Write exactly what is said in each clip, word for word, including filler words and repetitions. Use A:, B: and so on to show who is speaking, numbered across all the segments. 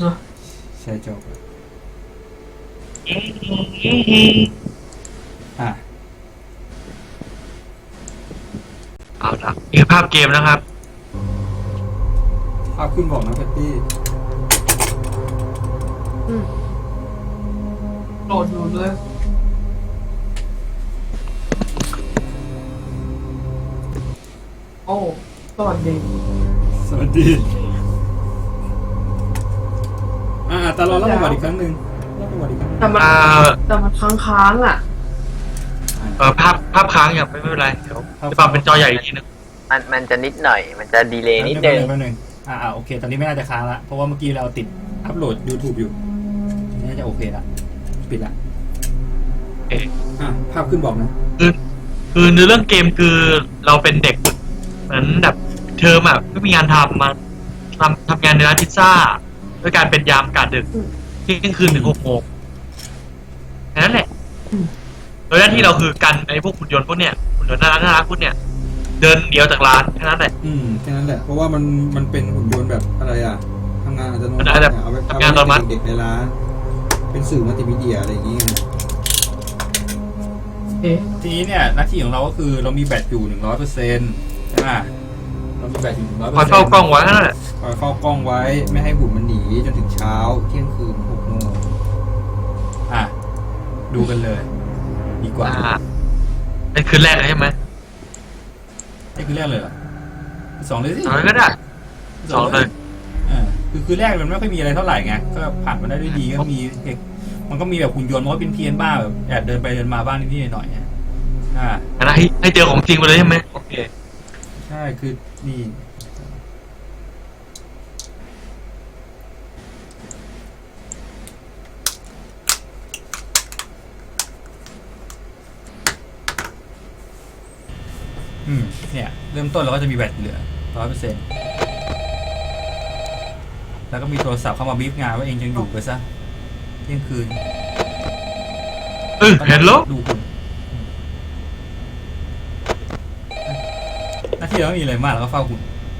A: เนาะ
B: ใช่จบอ่ะ
C: เอาละนี่คือภาพเกมนะครับ
B: ภาพขึ้นบอกนะแพตตี้
A: โหลดอยู่เลยโอ้สวัสดี
B: สวัสดีอ่าตลอดเล่าประวัติอีกครั้งหนึ่งเล่าประวัติอีกครั้ง
A: แต่มันแต่มันค้างๆอ่ะ
C: เออภาพภาพค้างอย่างไม่เป็นไรเดี๋ยวจะปรับเป็นจอใหญ่อีกทีนึง
D: มันมันจะนิดหน่อยมันจะดีเลย์นิดนึง
B: แป๊บนึงอ่าโอเคตอนนี้ไม่น่าจะค้างละเพราะว่าเมื่อกี้เราติดอัพโหลด YouTube อยู่น่าจะโอเคละปิดละอ่ะภาพขึ้นบอกนะ
C: คือคือในเรื่องเกมคือเราเป็นเด็กเหมือนแบบเทอมอ่ะไม่มีงานทำมาทำทำงานในร้านพิซซ่าด้วยการเป็นยามกะดึกเที่ยงคืนถึงหกโมงแค่นั้นแหละโดยหน้าที่เราคือกันไอ้พวกหุ่นยนต์พวกเนี้ยหุ่นยนต์น่ารักน่ารักพวกเนี้ยเดินเดียวจากร้านแค่นั้นแหละ
B: อืมแค่นั้นแหละเพราะว่ามันมันเป็นหุ่นยนต์แบบอะไรอ่ะทำงานอัตโนมัติเอาไ
C: ว้ทำงานอัตโนมัติ
B: เด็กในร้านเป็นสื่อมัลติมีเดียอะไรอย่างเงี้ยทีนี้เนี่ยหน้าที่ของเราก็คือเรามีแบตอยู่หนึ่งร้อยเปอร์เซ็นต์ใช่ไหมเรามีแบตอยู่หนึ่งร้อยเปอร์
C: คอย
B: เซ็นต์
C: เฝ้ากล้องไว้นั่นแหละ
B: คอยเฝ้ากล้องไว้ไม่ให้หุ่นมันหนีจนถึงเช้าเที่ยงคืนหกโมงอ่ะดูกันเลยดีกว่า
C: นี่คืนแรกเลยใช่ไหม
B: นี่คือแรกเลยเหรอสองเลยสิ
C: สองก็ได้สองเลย
B: อ่าคือคือแรกมันไม่ค่อยมีอะไรเท่าไหร่ไงก็ผ่านมาได้ด้วยดีก็มีเด็กมันก็มีแบบหุ่นยนต์มันก็เป็นเพี้ยนบ้าแบบแอบเดินไปเดินมาบ้างนิดๆหน่อยๆอ่า
C: ให้ให้เจอของจริงไปเลยใช่ไหมโอเค
B: ใช่คือนี่อืมเนี่ยเริ่มต้นเราก็จะมีแบตเหลือร้อยเปอร์เซ็นต์แล้วก็มีโทรศัพท์เข้ามาบีบงานว่าเองยังอยู่ไปซะเที่ยงคืน
C: เออเห็นแล้ว
B: ดูคุณหน้าที่เราไม่มีอะไรมากแล้วก็เฝ้าคุณ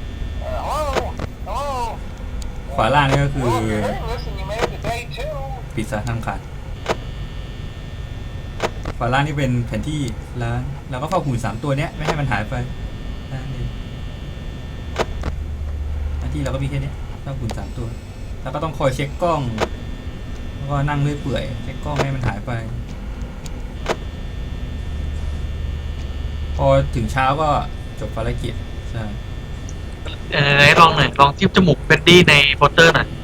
B: ขวาล่างนี่ก็คือปิดซะทั้งขาดขวาล่างนี่เป็นแผนที่ร้านเราก็เฝ้าหุ่นสามตัวเนี้ยไม่ให้มันหายไปนี่หน้าที่เราก็มีแค่นี้เฝ้าหุ่นสามตัวแล้วก็ต้องคอยเช็คกล้องแล้วก็นั่งเลื่อยเปื่อยเช็คกล้องไม่ให้มันหายไปพอถึงเช้าก็จบภารกิจใช่
C: ไหนลองหน่อยลองจิ้มจมูกเฟดดี้ในโปสเตอร์หน่อย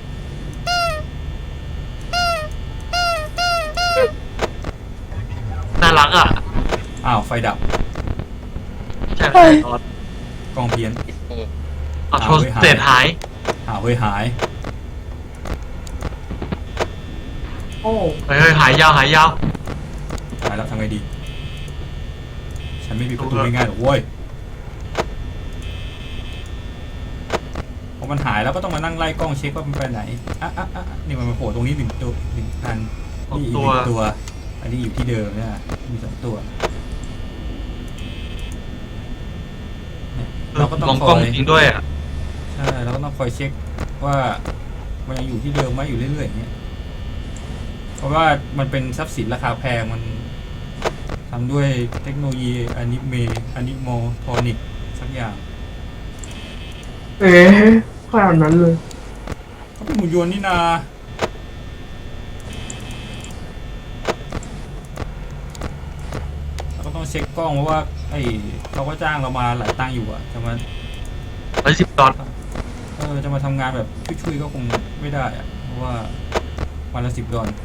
C: น่ารักอ่ะ
B: อ้าวไฟดับ
C: ใช่ตอน
B: กล้องเพี้ยน
C: อ้าวโทรเสร็จหาย
B: อ้าวเฮ้ยหาย
A: โอ้
C: เฮ้ยหายยาวหายยาว
B: หายแล้วทำไงดีฉันไม่มีประตูง่ายๆหรอกเว้ยพอมันหายแล้วก็ต้องมานั่งไล่กล้องเช็คว่ามันไปไหนอ่ะอ่ะอ่ะนี่มันมาโผล่ตรงนี้หนึ่งตัวหนึ่งอันนี่อีกหนึ่งตัวอันนี้อยู่ที่เดิมเนี่ยมีสองตัว
C: เราก็ต้องคอยจริงด้วยอ่ะ
B: ใช่เราก็ต้องคอยเช็คว่ามันยังอยู่ที่เดิมไหมอยู่เรื่อยๆอย่างเงี้ยเพราะว่ามันเป็นทรัพย์สินราคาแพงมันทำด้วยเทคโนโลยีอนิเมะอนิโมโทนิกสักอย่าง
A: เอ๊ะขนาดนั้นเลย
B: เขาเป็นหุ่นยนต์นี่นาเราก็ต้องเช็คกล้องเพราะว่าไอ้เขาก็จ้างเรามาหลายตังค์อยู่อะจะมา
C: ร้อยสิบดอล
B: เออจะมาทำงานแบบช่วยๆก็คงไม่ได้อะเพราะว่าวันละสิบดอล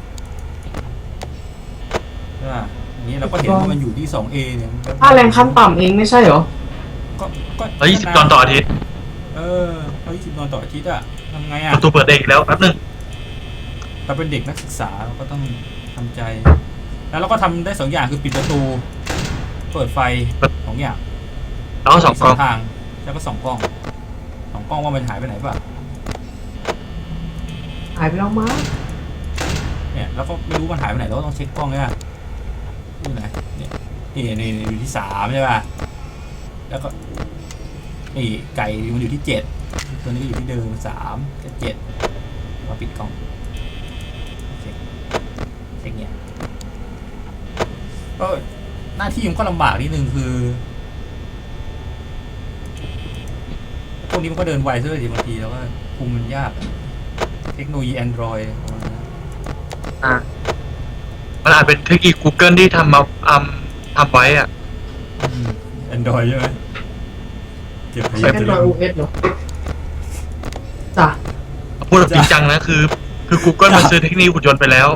B: ใช่ป่ะนี้เราก็เห็นว่ามันอยู่ที่ สองเอ เนี่ย
A: ค่าแรงขั้นต่ำเองไม่ใช่เหรอ
B: ก็ก็
C: ร้อยยี่สิบดอลต่ออาทิตย์
B: เออร้อยยี่สิบดอลต่ออาทิตย์อะทำไงอะ
C: ประตูเปิดเองแล้วแป๊บนึง
B: เราเป็นเด็กนักศึกษาเราก็ต้องทำใจแล้วเราก็ทำได้สองอย่างคือปิดประตูเปิดไฟสองอย่าง
C: แล้วก็สองกล้อง
B: ทางแล้วก็สองกล้องสองกล้องว่ามันหายไปไหนป่ะ
A: หายไปแล้วมั้ง
B: เนี่ยแล้วก็ไม่รู้มันหายไปไหนเราก็ต้องเช็คกล้องเนี่ยอยู่ไหนเนี่ยนี่นี่อยู่ที่สามใช่ป่ะแล้วก็นี่ไก่มันอยู่ที่เจ็ดตัวนี้ก็อยู่ที่เดิมสามกับเจ็ดโอก็ปิดกล้องเช็คเช็คเนี่ยก็หน้าที่มันก็ลำบากนิดนึงคือพวกนี้มันก็เดินไวซะเลยทีบางทีแล้วก็คุมมันยากเทคโนโลยี Android ประมาณนั้น
C: อ่ะมันอาจเป็นเทคนิค Google ที่ทำมาทำทำไว้อ่ะ
B: แอนดรอยใช่ไหมเก็บไป
A: ใช้ Android โอ เอส เหรอจ้ะ
C: พูดแบบจริงจังนะคือ คือ Google มันซื้อเทคนิคหุ่นยนต์ไปแล้ว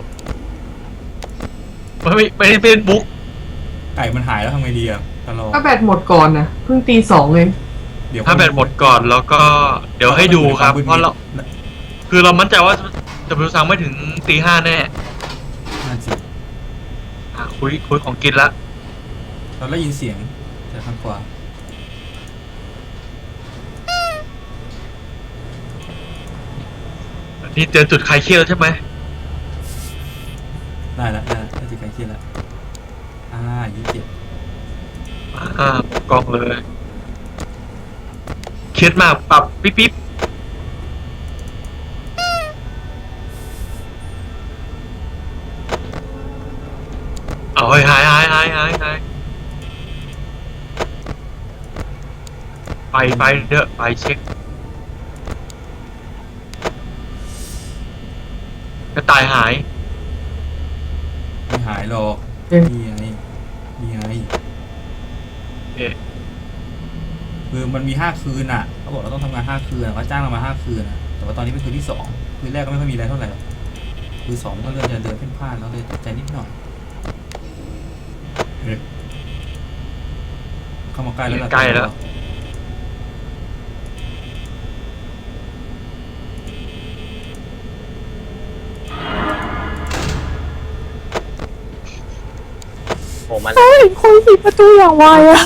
C: ไม่ไม่ไม่ได้เป็นบุ๊ก
B: ไก่มันหายแล้วทำไงดีอ่ะตลอด
A: ถ้าแบตหมดก่อนนะเพิ่งตีสองเอง
B: เดี๋ยว
C: ถ้าแบตหมดก่อนแล้วก็เดี๋ยวให้ดูครับเพราะเราคือเรามั่นใจว่าจะบิวซังไม่ถึงตีห้าแน่
B: นั่นสิ
C: อ่ะคุยคุยของกินละ
B: เราได้ยินเสียงจากทางขวา
C: นี่เจอจุดคลายเครียดแล้วใช่ไหม
B: ได้แล้วได้แล้วได้จิตใกล้เคียงแล้วอ่ายี่สิบเจ็ด
C: อ่ากล้องเลยเครียดมากปรับปิ๊บปิ๊บเอาเฮ้ยหายหายหายหายหายไปไปเด้อไปเช็คกระต่ายหาย
B: ไม่หายหรอก
A: เอ๊ะ
B: นี่ไงนี่ไง
C: เอ๊ะ
B: คือมันมีห้าคืนอ่ะเขาบอกเราต้องทำงานห้าคืนอะเขาจ้างเรามาห้าคืนอ่ะแต่ว่าตอนนี้เป็นคืนที่สองคืนแรกก็ไม่ค่อยมีอะไรเท่าไหร่หรอกคืนสองก็เริ่มจะเดินเพ่นพ่านแล้วเลยตกใจนิดหน่อยเอ๊ะเข้ามาใกล้แล้ว
C: ใกล้แล้ว
D: โอ้มัน
E: เห็นคนปิดประตูอย่างไวอะ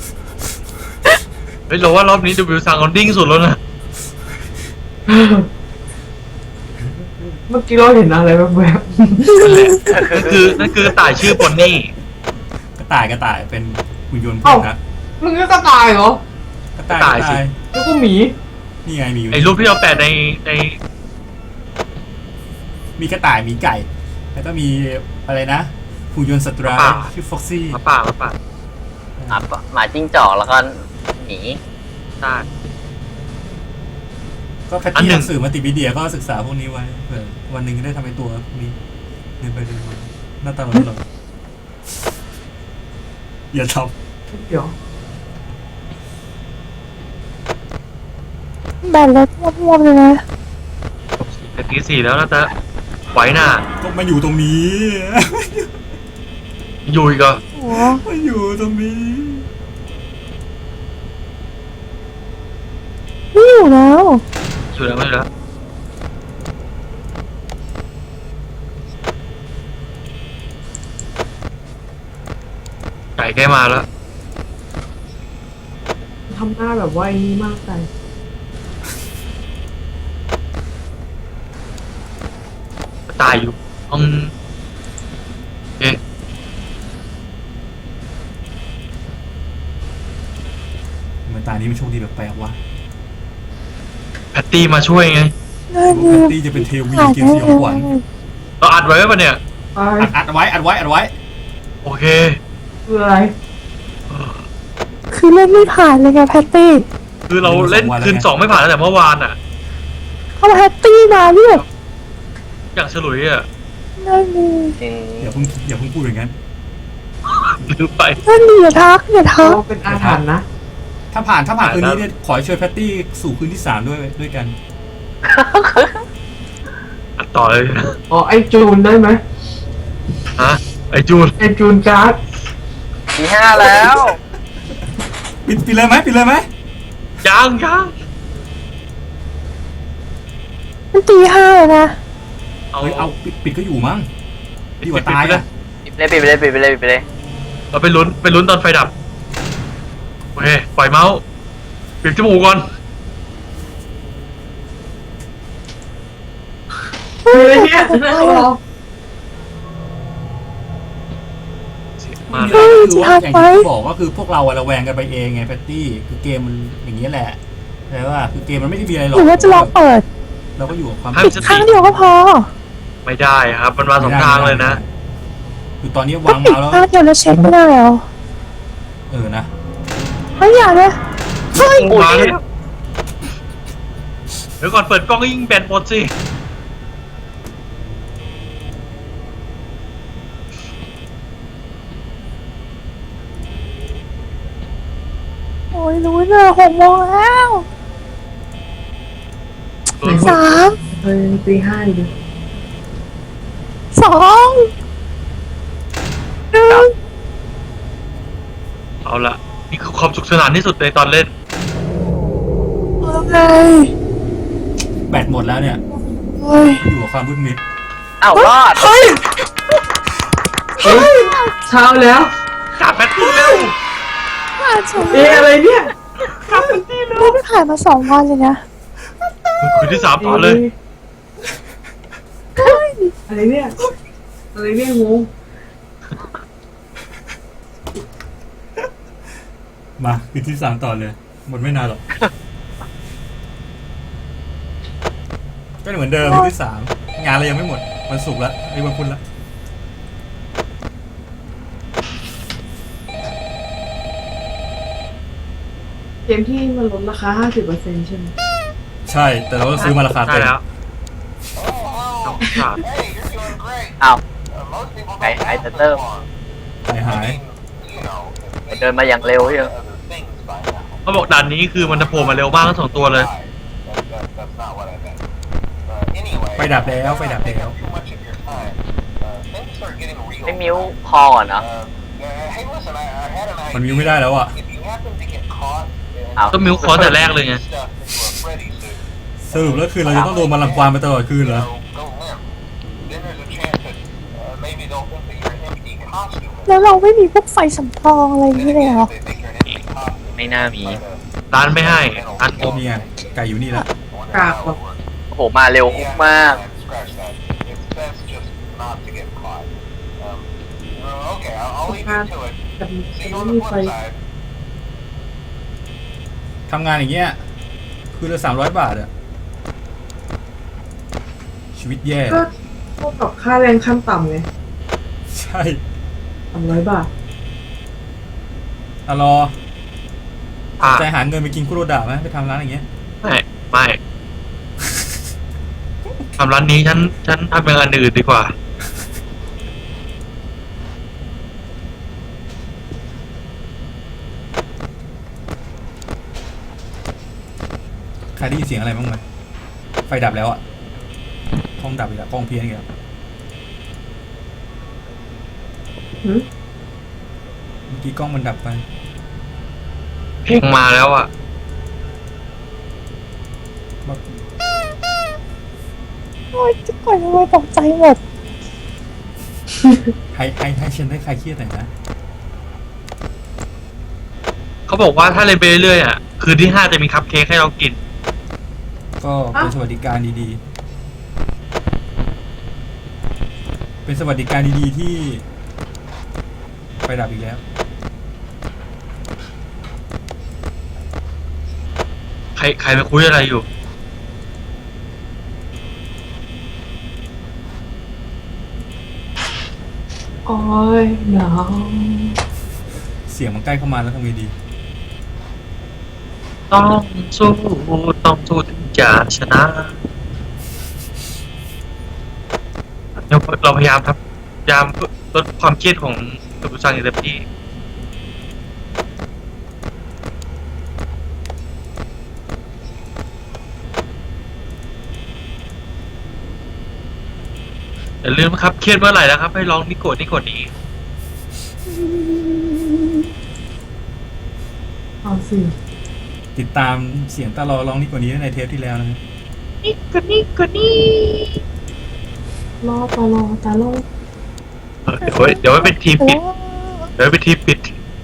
C: เฮ้ยเราว่ารอบนี้ดูวิวซังเขาดิ้งสุดแล้วนะ
A: เมื่อกี้เราเห็นอะไรแบบแบบ
C: นั่นคือนั่นคือกระต่ายชื่อบอนนี่
B: กระต่ายกระต่ายเป็นหุ่นยนต์
A: เอ้า
B: นะ
A: มึงก็กระต่ายเหรอ
B: กระต่ายกระต่าย
A: แล้วก็หมี
B: นี่ไงมีอยู่
C: ไอ้รูปที่เราแปะในใน
B: มีกระต่ายมีไก่ แล้วก็มีอะไรนะหุ่นยนต์สัตว์ร้ายชื่อฟ็อกซี่
C: หมาป่าหมาป่า
D: หมาปะหมาจิ้งจอกแล้วก็หมี
C: ใช่
B: ก็แพท
C: อัน
B: ตี้
C: หนึ่
B: ห
C: ง
B: นังสือมัลติมีเดียก็ศึกษาพวกนี้ไว้เผื่อวันหนึ่งจะได้ทำเป็นตัวพวกนี้เดินไปเดินมาหน้าตาหลอนๆอย่าท
A: เดี๋ยว
E: แบตรถม่วงๆเลยนะ
C: แต่ตีสี่แล้วนะจ๊ะไหวหน้า
B: ำก็มาอยู่ตรงนี้
C: อยู่อีกเหรอ
E: โอ้
B: มาอยู่ตรงนี้
E: ไม่อยู่แล้ว
C: อยู่แล้วไม่อยู่แล้วไก่ใกล้มาแล้ว
A: ทำหน้าแบบว่าไอ้นี่มากไป
C: ตายอยู่ห้องเอ๊ะ
B: เหมือนตานี้มันโชคดีแบบแปลกๆว่ะ
C: แพตตี้มาช่วยไง
E: น่า
B: แพ
E: ดี
B: ตตี้จะเป็นเทวีเกมสยองขวัญ
C: เราอัดไว้ปะเนี่ย
A: ไป
B: อัดอัดไว้อัดไว้อัดไว้
C: โอเค
A: คืออะไร
E: คือเล่นไม่ผ่านเลยไงแพตตี้
C: คือเราเล่นคืนสองไม่ผ่านตั้งแต่เมื่อวานอ่ะ
E: เขาแพตตี้มาที่แบบ
C: อย่างฉลุยอ่ะ
E: น่าดี
D: จริง
B: อย่าเพิ่งอย่าเพิ่งพูดอย่างนั้น
C: ลืมไป
E: น่าดีอย่าทักอย่าทัก
A: เราเป็นอาถรรพ์นะ
B: ถ้าผ่านถ้าผ่าน
C: ผ่าน
B: คืนนี้
C: แล้ว
B: เนี่ยขอให้ช่วยแพตตี้สู่คืนที่สามด้วยด้วยกัน
C: อัดต่อเลยนะ
A: อ๋อไอจูนได้ไหม
C: ฮะไอจูน
A: ไอจูนการ์ด
D: ทีห้าแล้ว
B: ปิดปิดเลยไหมปิดเลยไหม
C: ยังยัง
E: มันตีห้าเลยนะ
C: เอา
B: เฮ้ยเอาปิดปิดก็อยู่มั้ง
C: ปิด
B: ดีก
C: ปิด
B: ว่าตาย
C: ไปเล
B: อ่ะ
C: ย
D: ปิดไปเลยปิดไปเลยปิดไปเลยปิดไปเลย
C: เราไปลุ้นไปลุ้นตอนไฟดับโอเคปล่อยเมาส์ปิดจมูกก่อน
A: คืออะไรเนี่ยน่ารอ
C: เสียงมา
B: คือ
C: แล้ว
B: ว่าอย่างที่บอกว่าคือพวกเราอะระแวงกันไปเองไงแพตตี้คือเกมมันอย่างนี้ยแหละแต่ว่าคือเกมมันไม่ได้มีอะไรหร
E: ห
B: อก
E: รือว่าจะลองเปิด
B: เเราก็อยู่กับความ
C: ห้าม
E: ปิด
C: สติ
E: ข้างเดียวก็พอ
C: ไม่ได้ครับ มันมาสองทางเลยนะ
B: คือตอนนี้
E: ก็
B: วาง
E: ปิด
B: เมาส์แล้ว
E: ข้างเดียวแล้วเช็คไม่ได้เหรอ
B: เออนะ
E: ไม่อยากเลยเฮ้ย
C: มาแล้วเดี๋ยวก่อนเปิดกล้องก็ยิงแบนหมดสิ
E: โอ้ยรู้เนอะหกโมงแล้ว สาม
A: เฮ้ยตีห้าดิ
E: สองหนึ่ง
C: เอาละนี่คือความสุขสนานที่สุดในตอนเล่น
E: เฮ้ย
B: แบตหมดแล้วเนี่ย
E: เฮ้ย
B: อยู่กับความมืดมิด
D: อ้าวรอด
E: เฮ้ย
A: เฮ้ยเช้าแล้ว
C: กลับแบตตี้เร็ว
E: ผ่านสอง
A: เอ๊ะอะไรเนี่ย
E: ไม่ได้ผ่านมาสองวันเลยนะ
C: คืนที่สามต่อเลย
A: อะไรเนี่ยอะไรเนี่ยงง
B: มาคือที่สามต่อเลย หมดไม่นานหรอก ก็เหมือนเดิมคือที่สามงานเรายังไม่หมดวันศุกร์ละไอ้ยวันพุธละ
A: เกมที่มันลดราคาห้าสิบเปอร์เซ็นต์ใช่ไหม
B: ใช่ แต่เราต้องซื้อมาราคา
C: ได้
B: เต็ม
C: แล้วต้องขาด
D: อ้าวไอ้ไอ้เตอร์
B: หายหาย
D: เดินมาอย่างเร็วเชียว
C: เขาบอกด่านนี้คือมันจะโผล่มาเร็วมากทั้งสองตัวเลย
B: ไฟดับแล้วไฟดับแล้ว
D: ไม่มิ้วพอก่อนเนาะ
B: มันมิวไม่ได้แล้วอ่ะ
D: อ้าว
C: ก็มิวคอร์สแต่แรกเลยไง
B: สรุปแล้วคือเราจะต้องโดนมันรังควานไปตลอดคืนเหรอ
E: แล้วเราไม่มีพวกไฟสำรองอะไรอย่างนี้เลยเหรอ
D: ไม่น่ามี
C: ร้านไม่ให้ร้านโอม
B: นี่ไงไก่อยู่นี่แล้ว
A: กากหรอก
D: โอ้โหมาเร็วมาก
A: การแต่มันไม่มีไฟ
B: ทำงานอย่างเงี้ย คือละสามร้อยบาทอะชีวิตแย่
A: ก็เท่ากับค่าแรงขั้นต่ำไง
B: ใช่
A: สามร้อยบาท
B: อะรอ
C: อ่ะ
B: ใจหาเงินไปกินคุโรดะไหมไปทำร้านอย่างเงี้ย
C: ไม่ไม่ทำร้านนี้ฉันฉันทำเป็นอันอื่นดีกว่า
B: ใครได้ยินเสียงอะไรบ้างไหมไฟดับแล้วอะกล้องดับอีกแล้วกล้องเพี้ยนอีกแล้ว
A: หืม
B: เมื่อกี้กล้องมันดับไป
C: เพลงมาแล้วอ่ะ
B: บอก
E: โอ้ยจะก่อนทำไมตกใจหมด
B: ให้ให้ให้ฉันได้ใครเครียดหน่อยนะ
C: เขาบอกว่าถ้าเล่นไปเรื่อยๆอ่ะ คืนที่ห้าจะมีคัพเค้กให้เรากิน
B: ก็เป็นสวัสดิการดีๆ เป็นสวัสดิการดีๆที่ไฟดับอีกแล้ว
C: ใครใครไปคุยอะไรอยู่
A: โอ้ยหนาว
B: เสียงมันใกล้เข้ามาแล้วทำไงดี
C: ต้องสู้ต้องสู้ถึงจะชนะเราเราพยายามครับพยายามลดความเครียดของตัวผู้ชายในเต็มที่อย่าลืมนะครับเครียดเมื่อไหร่แล้วครับ ให้ลองนิโกะนิโกะนี้
A: เอาสิ
B: ติดตามเสียงตาลอร้องนี่กว่านี้ในเทปที่แล้วนะครับ
E: นี่ก็นี่ก็นี่
A: รอตลอตาลอ
C: เออเดี๋ยวไว้เดี๋ยวไว้เป็นทีมปิด เดี๋ยวไว้เป็นทีมปิด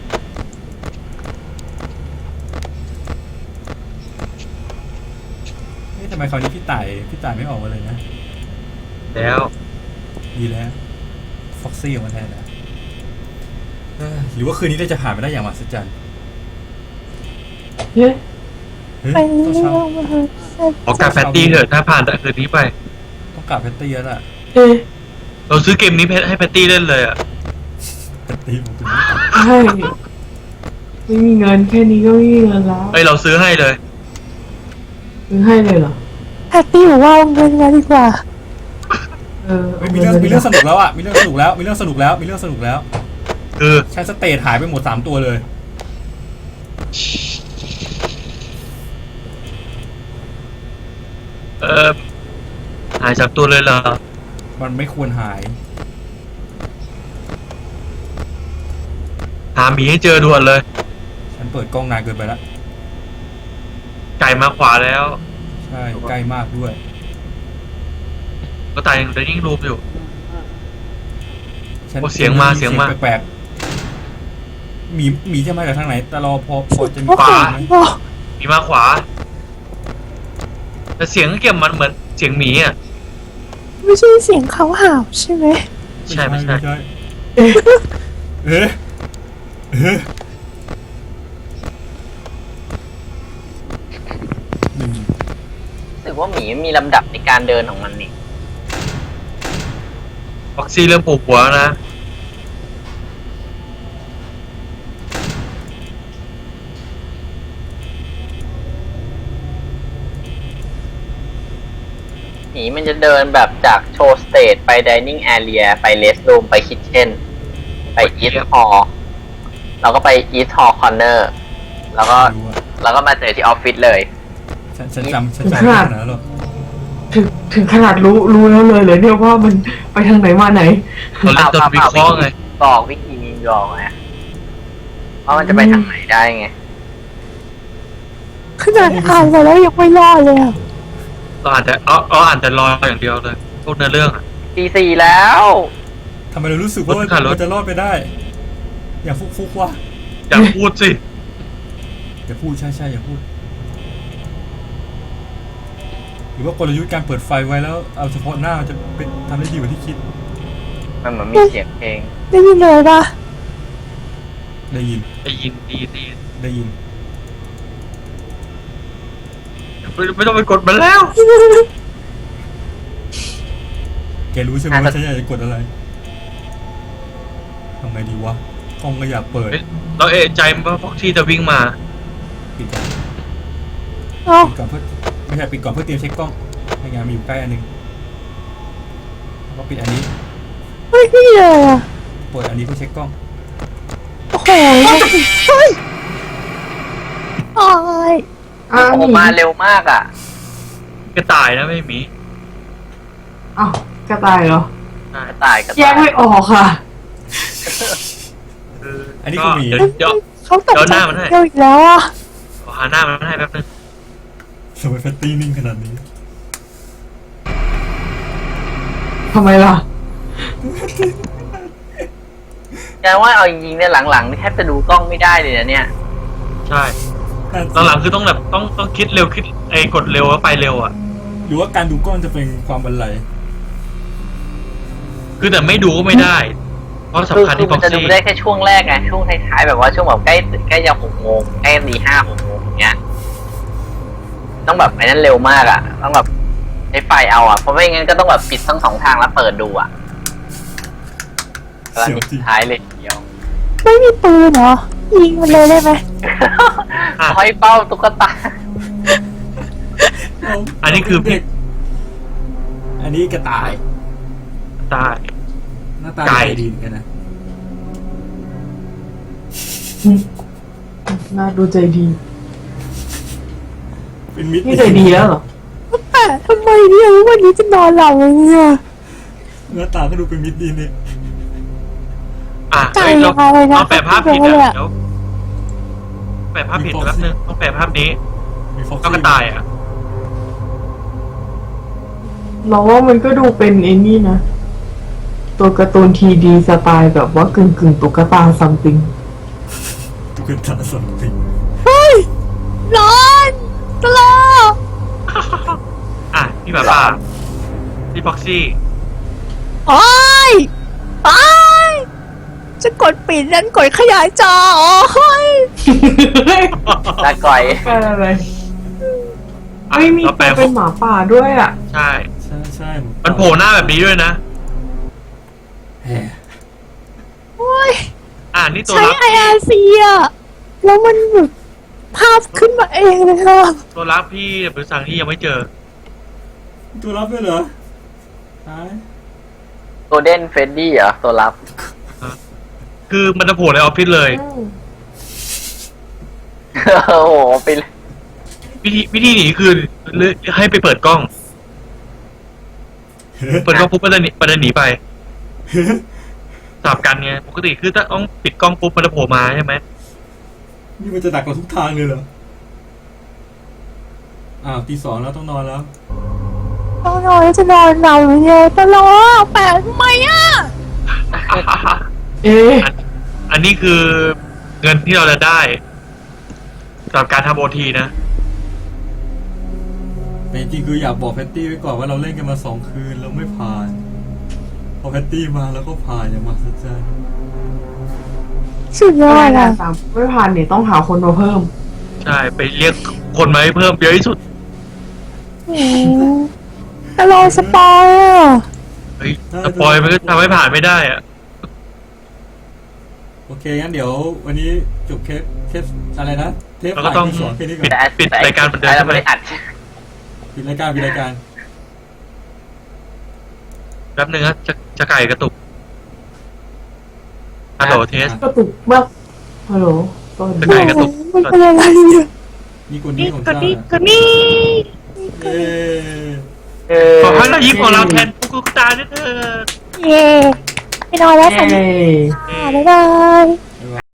B: เอ๊ะทำไมคราวนี้พี่ต่ายพี่ต่ายไม่ออกมาเลยนะ
C: แล้ว
B: ดีแล้วฟ็อกซี่ออกมาแทนนะเอ้อหรือว่าคืนนี้เราจะผ่านไปได้อย่างมหัศจรรย์
A: เฮ้ย
B: เฮ้ย
E: ไป
B: ต้อง
E: เรื่
B: เช่า
E: อยๆ
C: ขอกลับแพตตี้เถอะถ้าผ่านแต่คืนนี้ไป
B: ต้องกลับแพตตี้แล้วล่ะ
A: เอ๊ะ
C: เราซื้อเกมนี้ให้แพตตี้เล่นเลยอ่ะ
B: แพตตี้ผมเป็น
A: ใช่ไม่มีเงินแค่นี้ก็ไม่มีเงินแล้ว
C: เฮ้ยเราซื้อให้เลย
A: ซื้อให้เลยเหรอ
E: แพตตี้บอกว่าเอาเงินมาดีกว่า
A: เออ
B: เฮ้ยมีเรื่องมีเรื่องสนุกแล้วอ่ะมีเรื่องสนุกแล้วมีเรื่องสนุกแล้วมีเรื่องสนุกแล้ว
C: คือ
B: ใช้สเตทหายไปหมดสามตัวเลย
C: เออหายจากตัวเลยเหรอ
B: มันไม่ควรหาย
C: หาหมีให้เจอด่วนเลย
B: ฉันเปิดกล้องนานเกินไปแล้ว
C: ไก่มาขวาแล้ว
B: ใช่ใกล้มากด้วย
C: ก็ตายยังได้ยิ่งรูปอยู่
B: ฉัน
C: โอ้เสียงมาเสียงมา
B: แปลกๆหมีหมีจะมาจากทางไหนแต่รอพอพอจะมี
E: โอ้โห
B: ปลาไหม
C: หมีมาขวา แต่เสียงเก็บมันเหมือนเสียงหมีอ่ะ
E: ไม่ใช่เสียงเขาห่าวใช่ไหม
C: ใช่ไม่ใช่
B: เอ๊ะเอ๊ะเอ๊ะหนึ่ง
D: รู้สึกว่าหมีมีลำดับในการเดินของมันนี่
C: ฟ็อกซี่เริ่มปวดหัวนะ
D: หมีมันจะเดินแบบจากโชว์สเตจไปดิเนิ่งแอเรียไปเลสรูมไปคิทเช่นไปอีทฮอลเราก็ไปอีทฮอลคอร์เนอร์แล้วก็
B: รู้อะ
D: แล้วก็มาเจอที่ออฟฟิศเลย
B: ฉันฉันจำฉันจำไม่ได้นะหรอก
A: ถึงถึงขนาดรู้รู้แล้วเลยเลยเนี่ยว่ามันไปทางไหนมาไหน
C: เราเล่นจนวิเคราะห์ไง
D: บอกวิธีมียองไงว่ามันจะไปทางไหนได้ไง
E: ขนาดอ่านไปแล้วยังไม่รอดเลยอ่ะ
C: เราอาจจะเอาเอาอ่านแต่รออย่างเดียวเลยพวกเนื้อเรื่องอ่ะ
D: ตีสี่แล้ว
B: ทำไมเรารู้สึกว่ามัน
C: รถขับรถ
B: มันจะรอดไปได้ อย่าฟุกฟุกๆว่ะ
C: อย่าพูดสิ
B: อย่าพูดใช่ใช่อย่าพูด หรือว่ากลยุทธ์การเปิดไฟไว้แล้วเอาเฉพาะหน้ามันจะเป็นทำได้ดีกว่าที่คิด
D: มันเหมือนมีเสียงเพลง
E: ได้ยินเลยปะ
B: ได้ยิน
C: ได้ยินดีดี
B: ได้ยิน
C: ไม่ไม่ต้องไปกดมันแล้ว
B: แกรู้ใช่ไหมว่าฉันอยากจะกดอะไรทำไงดีวะกล้องก็อยากเปิด
C: เฮ้ยเราเอะใจว่าฟ็อกซี่จะวิ่งมา
B: ปิดก่อน
E: เอ้า
B: ปิดก่อนเพื่อไม่ใช่ปิดก่อนเพื่อเตรียมเช็คกล้องให้งานมีอยู่ใกล้อันหนึงแล้วก็ปิดอันนี้
E: ไม่มีเลยอ่ะ
B: เปิดอันนี้เพื่อเช็คกล้อง
E: โอ้โหเฮ้ยโอ้ย
A: อ้าว
D: โอ้มาเร็วมากอ่ะ
C: กระต่ายนะไม่หมี
A: อ้าวกระต่ายเหรอ
D: กระต่ายกระ
A: แย
D: ต่าก ย
A: ไม่ออกค่ะ
C: คือ
B: อันนี้คือหมี
C: เดี๋ยวเดี๋ยว
E: เขาตก
C: เดี๋ยวห
E: ใจ
C: น้ามันให้
E: เดียวอีกแล้วอ่ะ
C: ขอหาหน้ามันให้แป๊บนึง
B: ทำไมแฟตตี้นิ่งขนาดนี้
A: ทำไมล่ะ
D: แกว่าเอาจริงๆเนี่ยหลังๆนี่แทบจะดูกล้องไม่ได้เลยนะเนี่ย
C: ใช่หลังๆคือต้องแบบต้องต้องคิดเร็วคิดไอ้กดเร็วแล้วไปเร็วอ่ะ
B: หรือว่าการดูกล้องจะเป็นความบันไล
C: คือแต่ไม่ดูก็ไม่ได้ เพราะ
D: คือ
C: สำคัญ
D: คือ
C: ที่ฟ็
D: มั
C: อน ก
D: จะดู
C: ซี่
D: ได้แค่ช่วงแรกไงช่วงท้ายๆแบบว่าช่วงแบบใกล้ใกล้จะหกโมงใกล้ตีห้าหกโมงอย่างเงี้ยต้องแบบไอ้นั้นเร็วมากอ่ะ ต้องแบบใช้ไฟเอาอ่ะเพราะไม่งั้นก็ต้องแบบปิดทั้งสองทางแล้วเปิดดูอ่ะกำลัง
B: เสียว
D: มี
B: จริง
D: ท้ายเลยเดียว
E: ไม่มีปืนเหรอ ยิงมันเลยได้ไหม
D: ห้อยเป้าตุ๊กตา
C: อันนี้คือ
B: เด็กอันนี้กระต่าย
C: ตาย
B: หน้าตา
C: ไก่
B: ใจดีเหมือนกันนะ
A: น่าดูใจดี
B: เป็นมิตร
A: นี่ใจดีแล้วเหรอ
E: แต่ทำไมเนี่ยวันนี้จะนอนหลับเลยเนี่ย
B: หน้าตาก็ดูเป็นมิตรดีเนี่ย
C: อ่ะ
E: ไก่
C: เฮ้ยเรา
E: อะไรนะ
C: เราแปะภาพผิด
E: ไม่รู้เลย
C: อ่ะ
E: อะ
C: เดี๋ยวแปะภาพผิดแป๊บนึงต้องแปะภาพนี้
B: มีฟ็อก
C: ก็
B: ซี่
C: กระต่ายอ่ะ
A: เราว่ามันก็ดูเป็นไอ้นี่นะ ตัวการ์ตูนทีดีสไตล์แบบว่ากึ่งกึ่งๆตุ๊กตาซัมติง
B: ตุ๊กตาสองติง
E: เฮ้ยร้อนตลอด
C: อ่ะพี่แบบว่าพี่ฟ็อกซี่
E: โอ้ยโอ้ยจะกดปิดนั้นกดขยายจอโอ้ย
D: ตาก่อย
A: แปลอะไร
C: อ่ะ
A: ไม่มี
C: เรา
A: ตั
C: แปล
A: ว
C: ง
A: เป็นหมาป่าด้วยอ่ะ
C: ใช่
B: ใช่ใช่
C: มันโผล่หน้าแบบนี้ด้วยนะ
B: แหม
E: โอ้ย
C: อ่านี่ตัว
E: ใช้
C: รับ
E: ไออาร์ซีอะแล้วมันแบบภาพขึ้นมาเองเลยค่ะ
C: ตัวรับพี่บริษัทที่ยังไม่เจอ
B: ตัวรับด้วยเหรอตาย
D: โกลเด้นเฟรดดี้เหรอตัวรับ
C: คือมันจะโผล่ในออฟฟิศเลย
A: อืม
D: โอ้โหไปเลย
C: วิธีวิธีหนีคือให้ไปเปิดกล้อง เปิดกล้องปุ๊บมันจะหนีมันจะหนีไปสลับกันไงปกติคือถ้าต้องปิดกล้องปุ๊บมันจะโผล่มาใช่ไหม
B: นี่มันจะดักเราทุกทางเลยเหรออ้าวตีสองแล้วต้องนอนแล้ว
E: ต้องนอนแล้วจะนอนเราเลยตลอดแปลกทำไมอ่ะ
A: เอ๊ะ
C: อันอันนี้คือเงินที่เราจะได้สำหรับการทำโอทีนะ
B: แต่จริงๆคืออยากบอกแพตตี้ไว้ก่อนว่าเราเล่นกันมาสองคืนแล้วไม่ผ่าน พอแพตตี้มาแล้วก็ผ่านอย่างมหัศจรรย์
E: สุดยอ
A: ไม่
E: ด
A: ได้
E: อ่ะ
A: สามไม่ผ่านเนี่ยต้องหาคนมาเพิ่ม
C: ใช่ ไปเรียกคนมาให้เพิ่มเยอะที่สุด
E: โอ้ตลอดสปอยอ่ะ
C: เฮ้ยสปอยมันก็ทำให้ผ่านไม่ได้อะ
B: โอเคงั้นเดี๋ยววันนี้จบเคสเคสอะไรนะเทป
C: เราก็ต้อง
B: ที่สองแค่นี้ก่อ
C: ปิด
B: น
C: ปิดรายการเหมือนเดิม
D: แต่
C: ใช่ไหม
D: ไม่ได้อัด
B: ปิดรายการปิดรายการ
C: แป๊บนึงนะจะจะไก่กระตุกฮัลโหลเทส
A: กระตุกมากฮัลโหลต้น
C: จะไก่กระตุก
E: มันเป็นอะไรเนี่ย
B: นี่คนนี้ของ
E: ก็
B: ชา
E: นี่
B: ติ
E: ก็นี่
B: เย้
D: เออ
C: ขอให้เรายิ้มของเราแทนกุ๊กตาด้วยเถอะ
E: เย่ไปนอนแล้วฝัน
A: เย้
E: ดีค่ะบ๊ายบาย